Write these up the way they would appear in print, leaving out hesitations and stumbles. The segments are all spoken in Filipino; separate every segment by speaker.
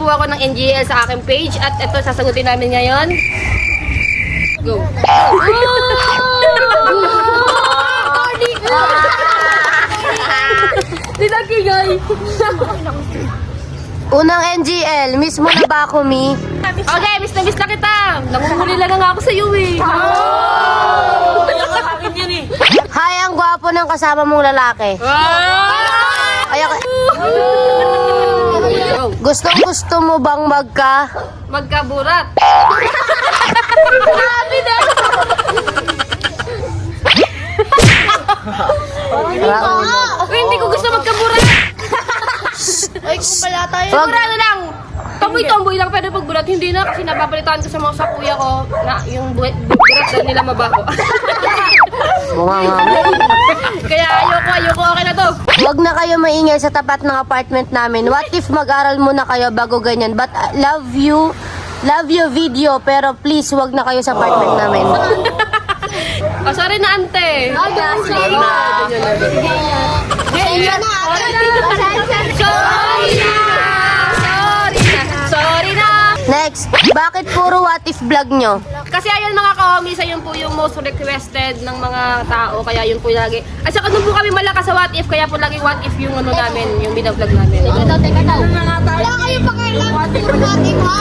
Speaker 1: po ako ng NGL sa aking page at ito sasagutin namin ngayon. Go. Dinagigay.
Speaker 2: Unang NGL, miss mo na ba ako, Mi?
Speaker 1: Okay, miss na kita. Nanguhuli lang nga ako sa iyo eh.
Speaker 2: Hi, ang gwapo ng kasama mong lalaki. Ay, gusto mo bang
Speaker 1: Magkaburat. Uy, hindi ko gusto magkaburat.
Speaker 3: Ay, kung pala tayo.
Speaker 1: Sigurado lang. Tomboy-tomboy lang pwede pagburat. Hindi na kasi nababalitaan ko sa mga sakuya ko na yung burat daw nila mabaho.
Speaker 2: Bunga nga.
Speaker 1: Kaya ayoko. Okay na to.
Speaker 2: Huwag na kayo maingay sa tapat ng apartment namin. What if mag-aral muna kayo bago ganyan? But love you video, pero please wag na kayo sa apartment namin.
Speaker 1: Oh, sorry na, ante.
Speaker 3: Sorry na.
Speaker 1: Sorry na.
Speaker 2: Next, bakit puro what if vlog nyo?
Speaker 1: Kasi ayun mga ka-homies, ayun po yung most requested ng mga tao. Kaya yun po lagi. At saka nung po kami malakas sa what if, kaya po lagi what if yung ano namin, yung binavlog namin.
Speaker 3: Teka daw. Wala kayong pakialam. Ating ha?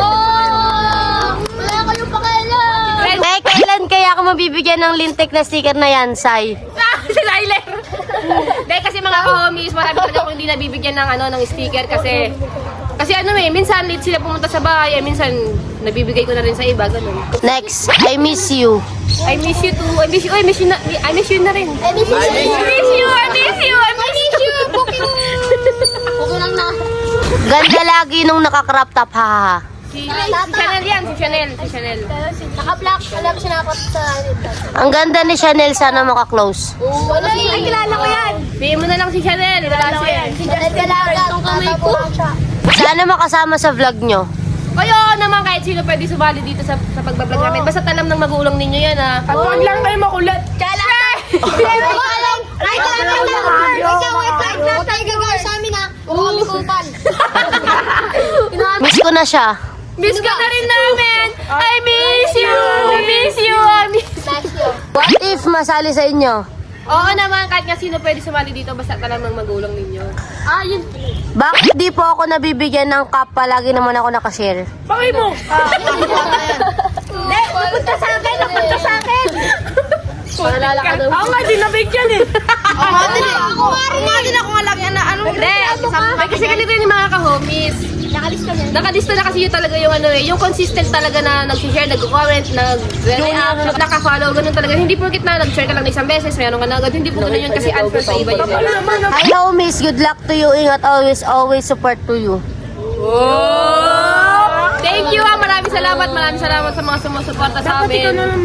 Speaker 3: Wala kayong pakialam.
Speaker 2: Eh, kailan kaya ako mabibigyan ng lintik na sticker na yan, Sai?
Speaker 1: Si Tyler. Dahil kasi mga ka-homies, marami talaga akong hindi nabibigyan ng ng sticker kasi minsan late sila pumunta sa bahay, minsan nabibigay ko na rin sa iba, ganun.
Speaker 2: Next, I miss you.
Speaker 1: I miss you too. I miss you na rin.
Speaker 3: I miss you. Okay lang na.
Speaker 2: Ganda lagi nung naka-crop top, hahaha.
Speaker 1: Si Chanel yan, si Chanel.
Speaker 3: Naka-black. Alam ko sinapot sa...
Speaker 2: Ang ganda ni Chanel, sana maka-close.
Speaker 3: Ay, kilala ko yan.
Speaker 1: Bigyan mo na lang si Chanel, wala siya.
Speaker 3: Si Janet Galaga. Itong kamay ko.
Speaker 2: Sana makasama sa vlog nyo.
Speaker 1: Kaya naman kahit sino pwede sumali dito sa pagbablog namin. Basta alam ng magulang ninyo yan ha. At huwag lang kayo makulat.
Speaker 3: Kala. Right lang. Ikaw, tayo gagawin sa amin ha. Huwag kami kupal.
Speaker 2: Miss ko na siya.
Speaker 1: Miss ka na rin namin. I miss you.
Speaker 2: What if masali sa inyo?
Speaker 1: Oo naman, kahit nga sino pwede sumali dito basta alam ng magulang ninyo. Yun.
Speaker 2: Bakit di po ako nabibigyan ng cup? Palagi naman ako nakashare.
Speaker 1: Bakit mo?
Speaker 3: Hindi, pupunta sa akin.
Speaker 1: Paalala ka daw. Ako nga, di nabigyan eh.
Speaker 3: Ako nga rin ako nga lang yan na ano.
Speaker 1: Hindi, kasi ganito yung mga ka-homies.
Speaker 3: Nakalista niya.
Speaker 1: Nakalista na kasi yun talaga yung yung consistent talaga na nag-share, nag-comment, nag-react, naka-follow, ganun talaga. Hindi porkit na nag-share ka lang na isang beses, mayroon ka na agad. Hindi po ganun yun kasi unfair sa iba yun.
Speaker 2: Hi homies, good luck to you. Ingat always support to you.
Speaker 1: Thank you maraming salamat sa mga sumusuporta sa amin. Dapat ikaw na lang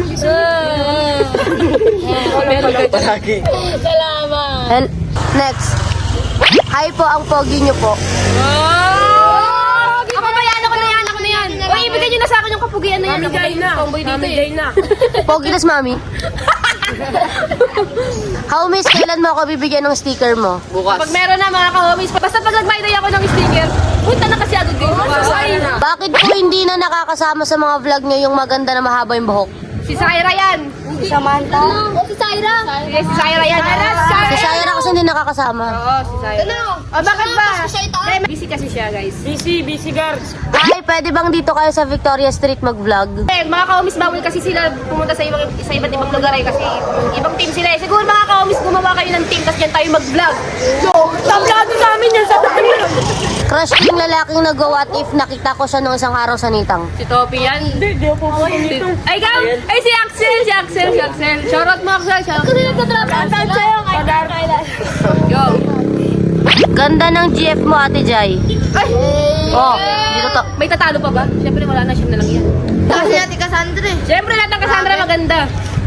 Speaker 2: And next, hi po ang pogi nyo po.
Speaker 1: Ako ba yan? Ako na yan. Uy, ibigay nyo na sa akin yung kapugian na yan. Mami Jai na. Tomboy dito eh.
Speaker 2: Pogi nas mami. Homies, kailan mo ako bibigyan ng sticker mo?
Speaker 1: Pag meron na mga ka-homies, basta pag nag-buy ako ng sticker, punta na kasi agad kayo.
Speaker 2: Bakit po hindi na nakakasama sa mga vlog nyo yung maganda na mahaba yung buhok?
Speaker 1: Si Syra yan.
Speaker 3: Si Samantha. O, si Syra.
Speaker 1: Si Syra yan.
Speaker 2: Si Syra kasi hindi nakakasama.
Speaker 1: Oo, si Syra. Bakit ba? Busy kasi siya, guys. Busy girls.
Speaker 2: Hi, pwede bang dito kayo sa Victoria Street mag-vlog?
Speaker 1: Mga ka-homies, bawal kasi sila pumunta sa iba't ibang lugar eh. Kasi ibang team sila eh. Siguro mga ka-homies, gumawa kayo ng team, tapos dyan tayo mag-vlog. Tablado sa amin yan sa tayo.
Speaker 2: Crush ko yung lalaking nag-what if nakita ko siya nung isang araw sa Nitang.
Speaker 1: Si Topi yan. Hindi ako dito. Ay, ikaw! Ay, si Axel! Shoutout mo, Axel.
Speaker 3: Kasi nagtatrapan sa'yo.
Speaker 1: Yo.
Speaker 2: Ganda ng GF mo, Ate Jai.
Speaker 1: Ay!
Speaker 2: Oh, dito to.
Speaker 1: May tatalo pa ba? Siyempre wala na, siya na lang yan.
Speaker 3: Kasi natin Cassandra eh.
Speaker 1: Siyempre lahat ng Cassandra maganda.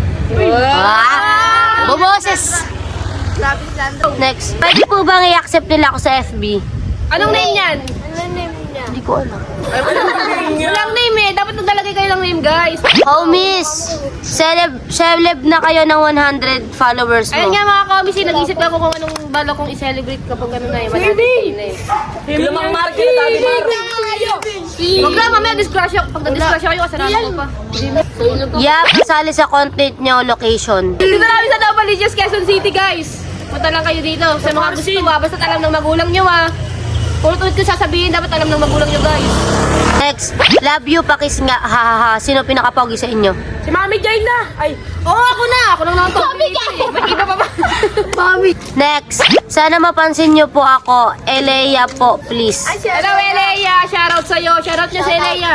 Speaker 2: Bumoses!
Speaker 3: Grabe si Sandra.
Speaker 2: Next, pwede po bang i-accept nila ako sa FB?
Speaker 1: Anong name yan?
Speaker 3: Ano name niya?
Speaker 2: Hindi ko alam.
Speaker 1: Walang name eh. Dapat naglalagay kayo ng name, guys.
Speaker 2: Homies, celeb na kayo ng 100 followers
Speaker 1: Ayun
Speaker 2: mo.
Speaker 1: nga mga homies, nag-isip ako kung anong bala kong i-celebrate kapag ano na eh. Sige!
Speaker 4: Lamang market na dami
Speaker 1: Huwag lang, mamaya disgrasya. Pag na-disgrasya kayo, kasalanan ko pa.
Speaker 2: Yeah, kasali sa content nyo, location.
Speaker 1: Dito na kami sa Novaliches, Quezon City, guys. Punta lang kayo dito. Sa mga gusto basta't alam ng magulang nyo, Ulit-ulit ko sasabihin, dapat alam ng magulang nyo, guys.
Speaker 2: Next, love you, pakis nga, ha. Sino pinakapogi sa inyo?
Speaker 1: Si Mami Jane na! Ay, oo, ako na! Ako lang naman Mami Jane! May iba pa ba? Mami!
Speaker 2: Next, sana mapansin nyo po ako, Elea po, please.
Speaker 1: Hello, Eleya! Shoutout sa'yo! Shoutout nyo sa Eleya!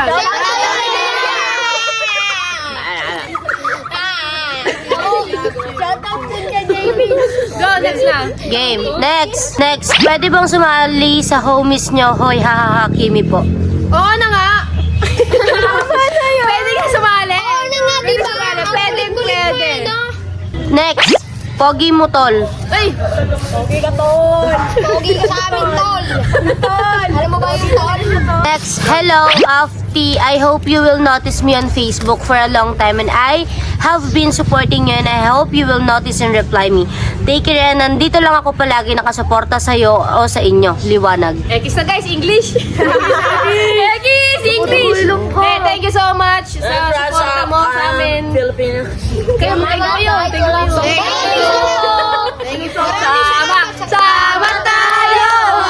Speaker 1: Go, next na!
Speaker 2: Game. Next, pwede bang sumali sa homies nyo? Hoy, ha, Kimi po.
Speaker 1: Oo na nga! Pwede ka sumali! Oo
Speaker 3: na nga,
Speaker 1: Pwede
Speaker 3: diba?
Speaker 1: sumali!
Speaker 3: Ang
Speaker 1: Pwede,
Speaker 3: kulit-kulit mo
Speaker 1: pwede!
Speaker 3: eh, no?
Speaker 2: Next, pogi mo, tol.
Speaker 1: Ay!
Speaker 3: Pogi ka sa amin, tol. Alam mo ba yung tol?
Speaker 2: Next, hello, Afti. I hope you will notice me on Facebook for a long time and I have been supporting you and I hope you will notice and reply me. Take care and nandito lang ako palagi nakasuporta sa'yo o sa inyo. Liwanag.
Speaker 1: Ekis na guys, English! Ekis! English! Eh, thank you so much sa suporta mo sa amin.
Speaker 4: Filipino.
Speaker 1: Kayo yun. Thank you. Thank you so much. Sama tayo!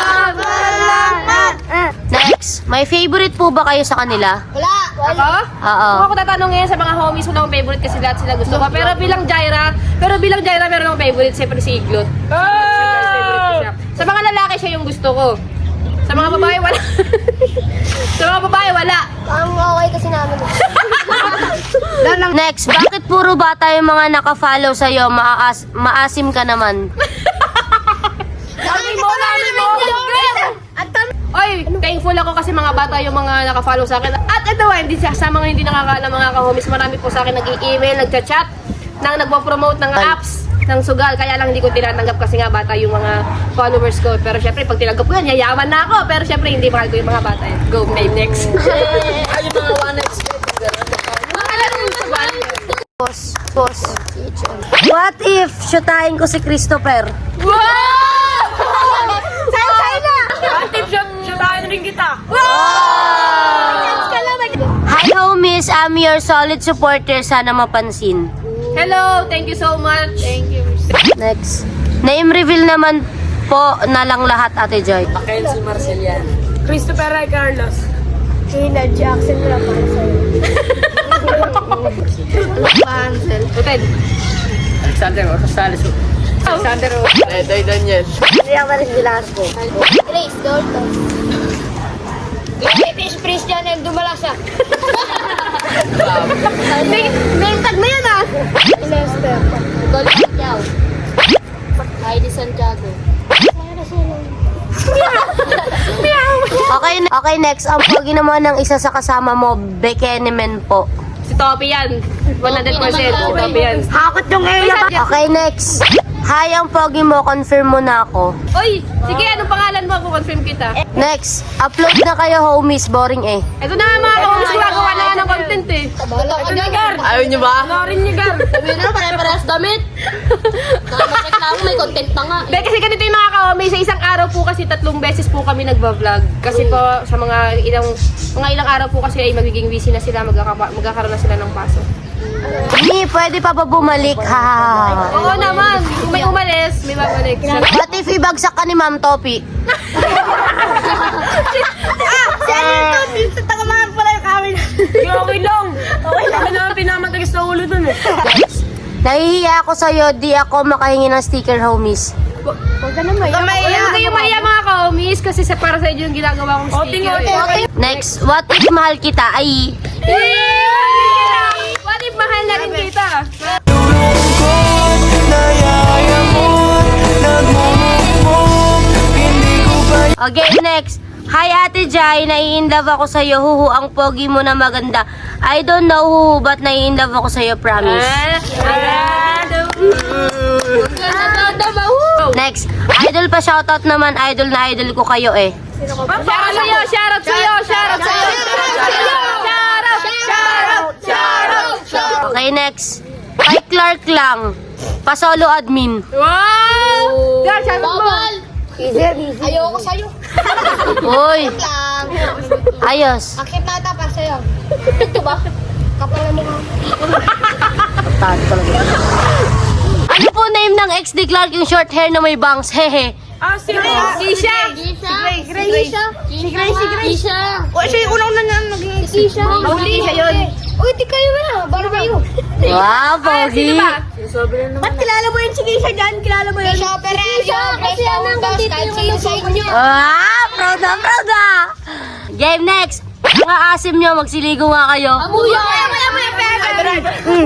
Speaker 2: Next, may favorite po ba kayo sa kanila?
Speaker 3: Wala.
Speaker 1: Ako?
Speaker 2: Oo.
Speaker 1: Kung ako tatanungin sa mga homies, wala akong favorite kasi lahat sila gusto ko. Pero bilang Jaira, meron akong favorite, siyempre si Iglot. Favorite ko siya. Sa mga lalaki, siya yung gusto ko. Sa mga babae, wala. Sa mga babae, wala.
Speaker 3: Ang okay kasi namin.
Speaker 2: Next, bakit puro bata yung mga nakafollow sa'yo? Maasim ka naman.
Speaker 1: Dami mo! Oy, thankful ako kasi mga bata yung mga naka-follow sa akin. At ito hindi sa mga hindi nakakaalam mga ka-homies, marami po sa akin nag-i-email, nagchat-chat, nang nagpo-promote ng apps ng sugal. Kaya lang hindi ko tinatanggap kasi nga bata yung mga followers ko. Pero syempre, pag tinanggap ko yan, yayaman na ako. Pero syempre, hindi mahal ko yung mga bata. Go, name next.
Speaker 4: Ay, yung mga one night stand.
Speaker 1: Mga laro yung sugal.
Speaker 2: Boss. What if shootahin ko si Christopher?
Speaker 1: Wow! Sa'yo na!
Speaker 4: Tip shot, shootahin rin kita.
Speaker 2: Hi homies, I'm your solid supporter. Sana mapansin.
Speaker 1: Hello, thank you so much. Thank you.
Speaker 2: Next. Name reveal naman po na lang lahat, Ate Joy.
Speaker 4: Mackenzie Marcelian.
Speaker 1: Christopher Ray Carlos.
Speaker 3: Tina Jackson wala para sa'yo.
Speaker 1: Uted.
Speaker 4: Alexander Rosales. Alexander Rosales. Daniel.
Speaker 3: Grace Dorton. Grace Christian and Dumalasa.
Speaker 1: Name tag na yan ah.
Speaker 3: Lester. Golden Chow. Heidi Santiago.
Speaker 2: Okay, next. Ang pogi naman ng isa sa kasama mo, Bekenemen po.
Speaker 1: Si Topi yan. 100% si Topi yan.
Speaker 2: Hakot yung Okay, next. Hi, ang pogi mo. Confirm mo na ako.
Speaker 1: Oy, sige, anong pangalan mo? Confirm kita.
Speaker 2: Next. Upload na kayo, homies. Boring eh.
Speaker 1: Ito na nga mga kaumis, gagawa na nga ng content eh.
Speaker 3: Bahala ka dyan, Gar.
Speaker 4: Ayaw niyo ba?
Speaker 1: Panoorin niyo, Gar.
Speaker 3: Sabihin na, pare-parehas damit. Nakamareklamo, may content pa nga.
Speaker 1: Dahil kasi ganito yung mga kaumis, sa isang araw po kasi 3 beses po kami nagba-vlog. Kasi po sa mga ilang araw po kasi ay magiging busy na sila, magkakaroon na sila ng pasok.
Speaker 2: Ni, pwede pa ba bumalik? Ha.
Speaker 1: Oo naman, kung may umalis, may babalik.
Speaker 2: What if ibagsak ka ni Ma'am Topi?
Speaker 1: Okay lang. Ako naman pinamatagas na ulo dun eh.
Speaker 2: Nahihiya ako sa'yo, di ako makahingi ng sticker, homies.
Speaker 3: Huwag ka na maya.
Speaker 1: Huwag kayong maya mga kaumis kasi para sa inyo yung ginagawa kong sticker eh.
Speaker 2: Next, what if mahal kita? Ay,
Speaker 1: What if mahal na rin kita?
Speaker 2: okay, next. Hi Ate Jai, nai-inlove ako sa'yo. Huhu, ang pogi mo na maganda. I don't know huhu, but nai-inlove ako sa'yo, promise. Next, idol pa shoutout naman. Idol na idol ko kayo eh.
Speaker 1: Shoutout sa'yo! Shoutout sa'yo! Shoutout sa'yo! Shoutout!
Speaker 2: Okay, next. Kay Clark lang. Pa-solo admin.
Speaker 1: Wow! Girl, sabi mo.
Speaker 3: Bawal! Ayoko sa'yo.
Speaker 2: Uy,
Speaker 3: Lang.
Speaker 2: ayos.
Speaker 3: Akit na ata para sa'yo. Ito ba? Kapal na mukha.
Speaker 2: Ano po name ng ex ni Clark yung short hair na may bangs? Hehe.
Speaker 1: Si Keisha.
Speaker 3: Grace. Si Grace. O, siya yung unang naging Keisha.
Speaker 1: Mauli siya yun.
Speaker 3: Uy, di kayo na. Baro kayo.
Speaker 2: Wow, pogi.
Speaker 1: Sino ba?
Speaker 3: Ba't kilala mo yun si Keisha dyan? Kilala mo yun? Keisha Operario. Kasi yan ang dito yung sa inyo.
Speaker 2: Ah, proud na. Game next. Mga asim nyo, magsiligo nga kayo.
Speaker 3: Amuya! Wala mo yung pera!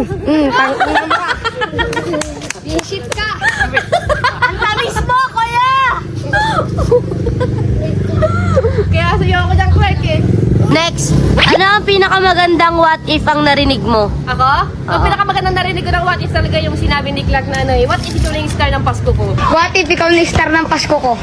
Speaker 3: Visit ka! Ang tamis mo, kuya!
Speaker 1: Kaya sa'yo ako dyan, Clark eh.
Speaker 2: Next. Ano ang pinakamagandang what if ang narinig mo?
Speaker 1: Ako? Ang pinakamagandang narinig ko ng what if talaga yung sinabi ni Clark na ano eh, what if ikaw na yung star ng Pasko ko?
Speaker 3: What if ikaw na star ng Pasko ko?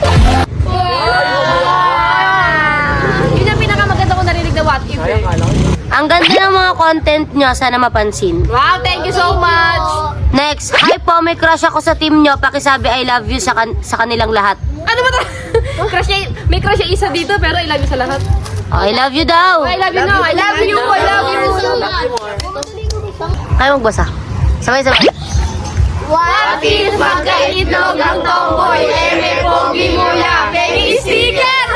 Speaker 1: Yun yung pinakamaganda ko narinig na what if eh.
Speaker 2: Ang ganda ng mga content nyo, sana mapansin.
Speaker 1: Wow, thank you so much!
Speaker 2: Next. Hi po, may crush ako sa team nyo. Pakisabi I love you sa kanilang lahat.
Speaker 1: Ano ba crush niya, may crush niya isa dito pero I love you sa lahat.
Speaker 2: I love you daw.
Speaker 1: I love you no, I love you, I love you.
Speaker 2: Kayo magbasa. Sabay-sabay.
Speaker 1: What if magkaitlog ang tomboy, may pogi mula, pengi sticker?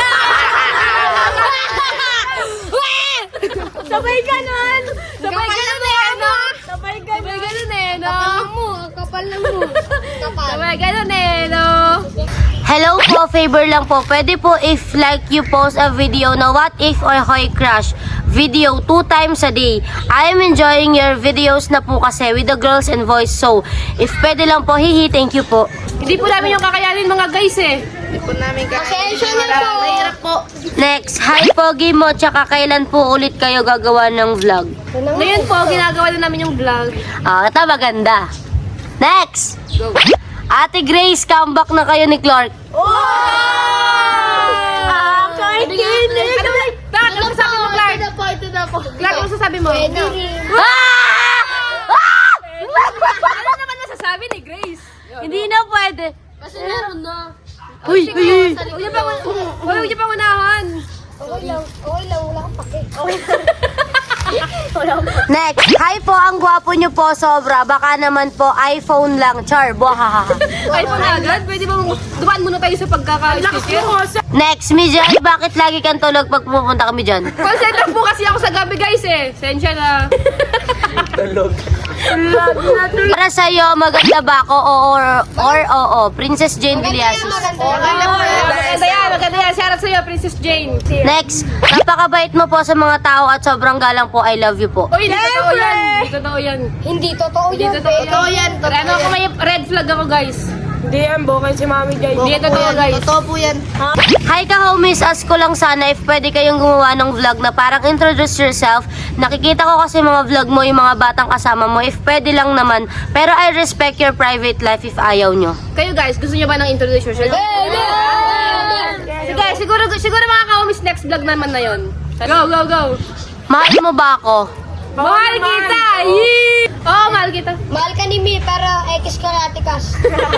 Speaker 1: Sabay ganun! Sabay ganun eh, no? Sabay ganun eh, no?
Speaker 3: Kapal na mo. Kapal.
Speaker 1: Sabay ganun eh, no?
Speaker 2: Hello po, favor lang po. Pwede po if like you post a video na what if or hoy crush video 2 times a day. I am enjoying your videos na po kasi with the girls and voice. So, if pwede lang po, hihi, thank you po.
Speaker 1: Hindi po namin yung kakayanin mga guys eh.
Speaker 3: Pasensya na po.
Speaker 1: Mahirap po.
Speaker 2: Next, hi Pogi mo, tsaka kailan po ulit kayo gagawa ng vlog?
Speaker 1: Ngayon po, ginagawa na namin yung vlog.
Speaker 2: Ah, ito maganda. Next,
Speaker 1: Go.
Speaker 2: Ate Grace, comeback na kayo ni Clark.
Speaker 1: Kahit kinig! Ano masasabi mo, Clark?
Speaker 3: Ito na po.
Speaker 1: Clark, ano masasabi mo?
Speaker 3: Pwede.
Speaker 2: Ah! Ah!
Speaker 1: Ano naman masasabi ni Grace?
Speaker 2: Hindi na pwede.
Speaker 3: Kasi meron na.
Speaker 2: Uy, uy, uy.
Speaker 1: Huwag niyo pang unahan.
Speaker 3: Okay lang, wala kang pake.
Speaker 2: Next, hi po, ang gwapo nyo po sobra. Baka naman po iPhone lang. Char, buhahaha.
Speaker 1: iPhone na agad? Pwede ba dumaan muna tayo sa pagkaka-sticker?
Speaker 2: Next, Mijay, bakit lagi kang tulog pag pupunta kami dyan?
Speaker 1: Call center po kasi ako sa gabi guys eh. Sensya na.
Speaker 4: Tulog.
Speaker 2: Para sa'yo, maganda ba ako or oo? Princess Jane Villasis.
Speaker 1: Maganda yan. Shoutout sa'yo, Princess Jane.
Speaker 2: Next, napakabait mo po sa mga tao at sobrang galang po. I love you po.
Speaker 1: Uy, hindi totoo yan. Hindi totoo yan.
Speaker 3: Hindi totoo
Speaker 1: Hindi
Speaker 3: yan.
Speaker 1: totoo yan. Ano ako may red flag ako guys.
Speaker 4: Hindi yan, bukay si Mami Jai.
Speaker 1: Hindi totoo guys.
Speaker 3: Totoo po yan.
Speaker 2: Hi ka homies, ask ko lang sana if pwede kayong gumawa ng vlog na parang introduce yourself. Nakikita ko kasi mga vlog mo, yung mga batang kasama mo, if pwede lang naman. Pero I respect your private life if ayaw nyo.
Speaker 1: Kayo guys, gusto niyo ba ng introduce yourself? Sige, siguro mga ka-homies next vlog naman na yon. Go, go, go.
Speaker 2: Mahal mo ba ako?
Speaker 1: Mahal kita! Yee! Oo, mahal kita.
Speaker 3: Mahal ka ni Mi, pero X ka na Atikas.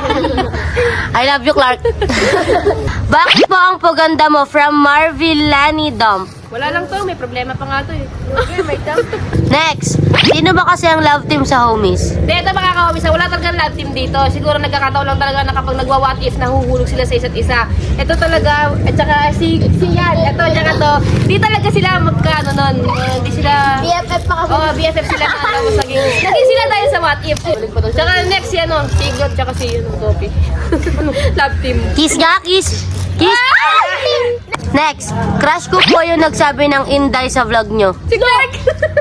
Speaker 2: I love you, Clark. Bakit po ang paganda mo from Marvillani Dump?
Speaker 1: Wala lang to, may problema pa nga to eh.
Speaker 2: Next, sino ba kasi ang love team sa homies?
Speaker 1: Dito mga ka-homies, wala talagang love team dito. Siguro nagkakataon lang talaga na kapag nagwa-what if, nahuhulog sila sa isa't isa. Ito talaga, at saka si yan, ito, tsaka to. Di talaga sila magkaano nun. Hindi sila...
Speaker 3: BFF pa kasi.
Speaker 1: Oo, BFF sila na tapos naging sila dahil sa what if. Tsaka next yan, si God, tsaka si Sophie. Love team.
Speaker 2: Kiss nga, kiss. Kiss. Next, crush ko po yung nagsabi ng Inday sa vlog nyo.
Speaker 1: Si Clark!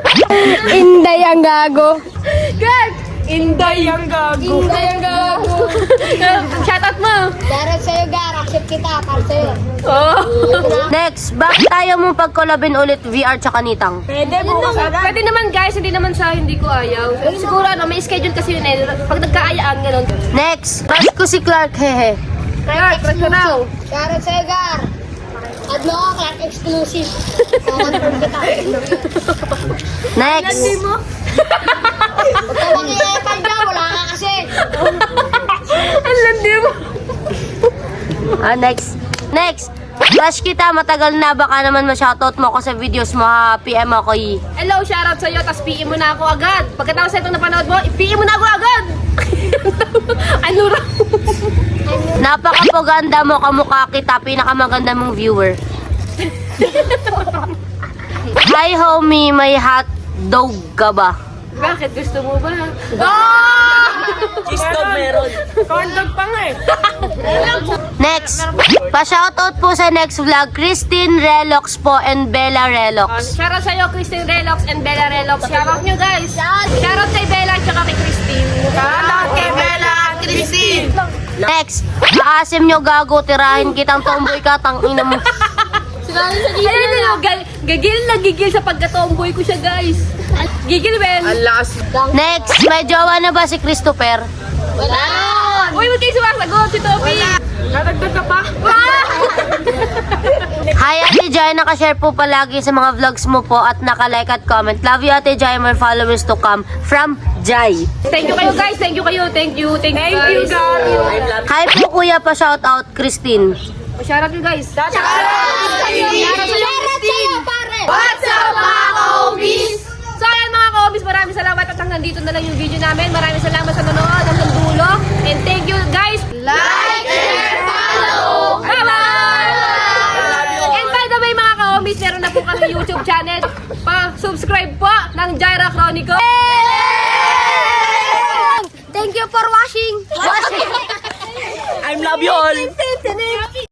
Speaker 3: Inday ang gago.
Speaker 1: Clark!
Speaker 4: Inday ang gago.
Speaker 3: Inday ang gago.
Speaker 1: Shoutout mo!
Speaker 3: Darat sa'yo, Gar. Accept kita. Para sa'yo.
Speaker 1: Oh.
Speaker 2: Next, bakit tayo mong pagkolabin ulit VR tsaka nitang?
Speaker 4: Pwede bukas agad.
Speaker 1: Pwede naman guys, hindi naman sa hindi ko ayaw. Siguro ano, may schedule kasi yun eh. Pag nagkaayaan, ganun.
Speaker 2: Next, crush ko si Clark, hehe.
Speaker 1: Kaya, crush ko raw.
Speaker 3: Darat sa'yo, Gar. Add mo ako, Clark exclusive. Confirm kita.
Speaker 2: Next,
Speaker 3: Huwag ka mag-iepal dyan, wala ka kasi.
Speaker 1: Ang landi mo.
Speaker 2: Next. Crush kita, matagal na. Baka naman ma-shoutout mo ako sa videos mo ha. PM ako
Speaker 1: Hello, shoutout sa'yo, tapos PM mo na ako agad. Pagkatapos itong napanood mo, PM mo na ako agad. Ano raw?
Speaker 2: Napakapaganda mo, kamukha kita. Pinakamaganda mong viewer. Hi homie, may hot dog ka ba?
Speaker 1: Bakit gusto mo ba?
Speaker 4: Cheese dog meron. Corn dog pa nga eh.
Speaker 2: Next. Pa-shoutout po sa next vlog, Christine Relox po and Bella Relox.
Speaker 1: Shoutout sa'yo, Christine Relox and Bella Relox. Shoutout nyo guys. Shoutout kay Bella at saka kay Christine.
Speaker 4: Shoutout kay Bella at Christine.
Speaker 2: Next. Paasim nyo gago, tirahin kitang tomboy ka, tangina mo.
Speaker 1: Ayun, gigil sa pagka-tomboy ko siya guys. Gigil, Ben.
Speaker 4: Alas.
Speaker 2: Next. May jowa na ba si Christopher?
Speaker 3: Wala.
Speaker 1: Uy, huwag kayo sumasagot si Toby.
Speaker 4: Nadagdag ka pa?
Speaker 2: Hi Ate Jai, nakashare po palagi sa mga vlogs mo po at nakalike at comment. Love you Ate Jai, more followers to come from Jai.
Speaker 1: Thank you kayo guys. Thank you kayo. Thank you
Speaker 4: Thank you,
Speaker 1: guys.
Speaker 4: guys.
Speaker 2: Hi po kuya, pa-shoutout Christine.
Speaker 1: Shoutout nyo guys.
Speaker 3: Shoutout sa'yo, pare.
Speaker 1: What's up mga ka-homies? So ayan mga ka-homies, maraming salamat at hanggang dito na lang yung video namin. Maraming salamat sa nanonood hanggang dulo. And thank you guys.
Speaker 3: Like, share, follow.
Speaker 1: Bye-bye! And by the way mga ka-homies, meron na po kami YouTube channel. Pa-subscribe po ng Jaira Chronicle.
Speaker 3: Thank you for watching.
Speaker 4: I love you all.